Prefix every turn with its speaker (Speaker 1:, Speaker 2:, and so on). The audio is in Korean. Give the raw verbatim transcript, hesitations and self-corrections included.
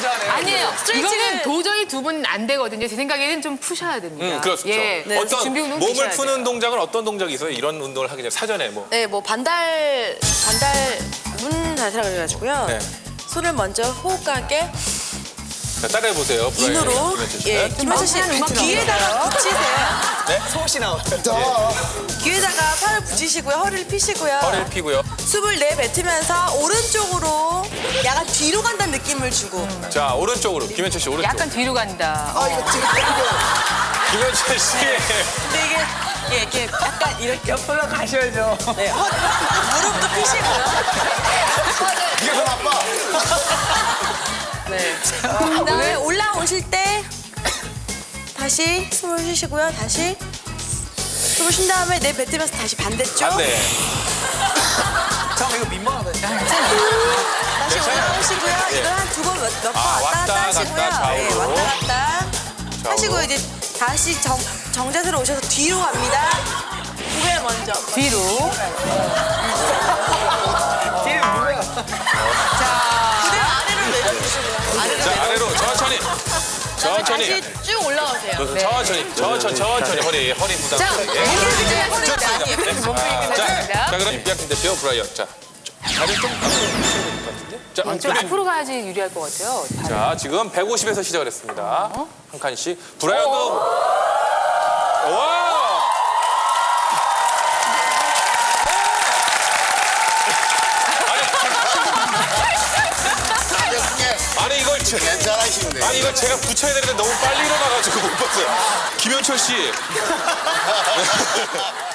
Speaker 1: 하네요.
Speaker 2: 아니에요.
Speaker 3: 스트레칭은
Speaker 2: 이거는 도저히 두 분 안 되거든요. 제 생각에는 좀 푸셔야 됩니다.
Speaker 1: 음, 그렇죠.
Speaker 2: 예.
Speaker 3: 네.
Speaker 1: 어떤
Speaker 2: 준비 운동
Speaker 1: 몸을
Speaker 2: 주셔야
Speaker 1: 푸는
Speaker 2: 돼요.
Speaker 1: 동작은 어떤 동작이 있어요? 이런 운동을 하기 전에 사전에 뭐.
Speaker 3: 네, 뭐 반달 반달 문 자세라고 해가지고요.
Speaker 1: 네.
Speaker 3: 손을 먼저 호흡하게
Speaker 1: 자, 따라해 보세요.
Speaker 3: 인으로 예, 김현철 씨 귀에다가 붙이세요.
Speaker 4: 소시 나와요.
Speaker 3: 귀에다가 팔을 붙이시고요. 허리를 피시고요.
Speaker 1: 허리를 피고요.
Speaker 3: 숨을 내뱉으면서 오른쪽으로 약간 뒤로 간다는 느낌을 주고.
Speaker 1: 자, 오른쪽으로. 김현철 씨 오른쪽.
Speaker 2: 약간 뒤로 간다.
Speaker 4: 아, 이거 지금
Speaker 1: 김현철 씨.
Speaker 3: 근데 이게 예, 이렇게 약간 이렇게
Speaker 4: 옆으로 가셔야죠.
Speaker 3: 네, 허, 무릎도 피시고요.
Speaker 4: 이게 더 나빠.
Speaker 3: 네. 그다음에 올라오실 때 다시 숨을 쉬시고요. 다시 숨을 쉰 다음에 내뱉으면서 다시 반대쪽.
Speaker 1: 안 돼.
Speaker 4: 잠깐 이거 민망하다.
Speaker 3: 다시
Speaker 1: 괜찮아요.
Speaker 3: 올라오시고요.
Speaker 1: 예.
Speaker 3: 이걸 한 두 번 몇 번
Speaker 1: 아,
Speaker 3: 왔다
Speaker 1: 왔다
Speaker 3: 갔다 하시고요.
Speaker 1: 갔다,
Speaker 3: 네,
Speaker 1: 좌우로.
Speaker 3: 왔다 갔다
Speaker 1: 좌우로.
Speaker 3: 하시고 이제 다시 정, 정자세로 오셔서 뒤로 갑니다. 고개 먼저.
Speaker 2: 뒤로.
Speaker 4: 뒤에 누구야?
Speaker 3: 그대로 아래로 내려주시고요. 아래로
Speaker 1: 자,
Speaker 3: 내려.
Speaker 1: 아래로 천천히. 천천히.
Speaker 3: 다시 쭉 올라오세요.
Speaker 1: 천천히. 천천히. 천천히. 허리, 허리 부담.
Speaker 2: 자,
Speaker 1: 예.
Speaker 2: 몸풀기 끝났습니다.
Speaker 1: 좋습니다.
Speaker 2: 예,
Speaker 1: 네.
Speaker 2: 몸풀기
Speaker 1: 자,
Speaker 2: 끝났습니다.
Speaker 1: 자, 그럼 임비학팀 대표 브라이언. 자, 다리 좀 앞으로 치셔야 될 것 같은데? 자,
Speaker 2: 좀
Speaker 1: 그럼
Speaker 2: 앞으로 가야지 유리할 것 같아요. 다리.
Speaker 1: 자, 지금 백오십에서 시작을 했습니다. 한 칸씩. 브라이언도. 와! 아니, 이걸 제,
Speaker 4: 괜찮으신데.
Speaker 1: 아니 이걸 제가 붙여야 되는데 너무 빨리 일어나가지고 못 봤어요. 김현철 씨.